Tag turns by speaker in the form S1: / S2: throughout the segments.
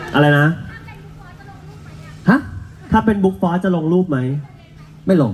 S1: อะไรนะ
S2: ฮะ
S1: ถ้าเป็นบุ๊กฟอสจะลงรูปไหม
S2: ไม่ลง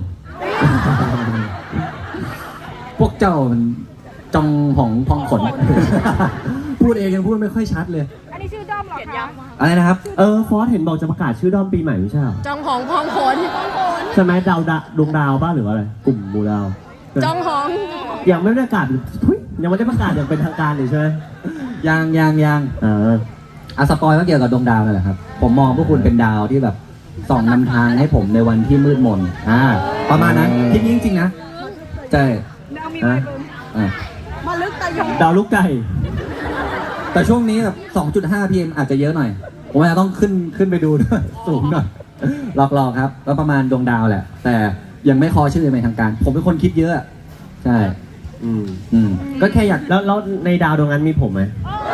S2: พวกเจ้ามันจองหองพองขน พูดเองยังพูดไม่ค่อยชัดเลย
S3: อันนี้ชื่อด้อมเหรอคะ
S2: อะไรนะครับ
S1: ฟอสเห็นบอกจะประกาศชื่อด้อมปีใหม่ไม่ใช่เหรอ
S3: จองหองพองขน
S1: ใช่ไหมดวงดาวบ้าหรือว่าอะไรกลุ่มหมู่ดาว
S3: จองหอง
S1: ยังไม่ได้ประกาศทุยยังไม่ได้ประกาศอย่างเป็นทางการเลยใช่ไหม
S2: ยังสปอยก็เกี่ยวกับดวงดาวนั่นแหละครับ ผมมองพวกคุณเป็นดาวที่แบบส่องนำทางให้ผมในวันที่มืดมนประมาณนั้นคิดจริงๆนะใช่
S3: ดาวมีใบบุญมาลึกตะยง
S1: ดาวลูกไก่
S2: แต่ช่วงนี้แบบ 2.5 PM อาจจะเยอะหน่อย ผมอาจจะต้องขึ้นไปดูด้วย สูงหน่อยหลอกๆครับแล้วประมาณดวงดาวแหละ แต่ยังไม่คอชื่อเป็นทางการ ผมเป็นคนคิดเยอะใช่ก็แค่อยาก
S1: แล้วในดาวดวงนั้นมีผมไหม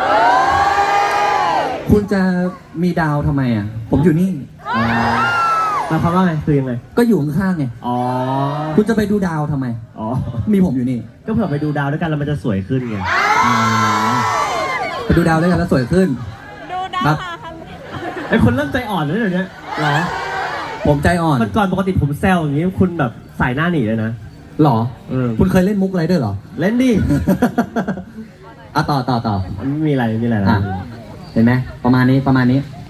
S2: คุณจะมีดาวทำไมอ่ะผมอยู่นี่
S1: หมายความว่าไงคือยังไง
S2: ก็อยู่ข้างๆไง
S1: อ๋อ
S2: คุณจะไปดูดาวทำไม
S1: อ๋อ
S2: มีผมอยู่นี่
S1: ก็เผื่อไปดูดาวด้วยกันแล้วมันจะสวยขึ้นไง
S2: ไปดูดาวด้วยกันแล้วสวยขึ้น
S3: ดูดาว
S2: ครับ
S1: ไอคนเริ่มใจอ่อนแล้วเดี๋ยวนี้หรอ
S2: ผมใจอ่อน
S1: มันก่อนปกติผมแซวอย่างนี้คุณแบบสายหน้าหนีเลยนะ
S2: หรอ
S1: คุ
S2: คุณ ณเคยเล่นมุกอะไรด้วยเหรอ
S1: เล่นดิ
S2: ต่อ
S1: มีอะไรนะ
S2: เห็นไหมประมาณนี้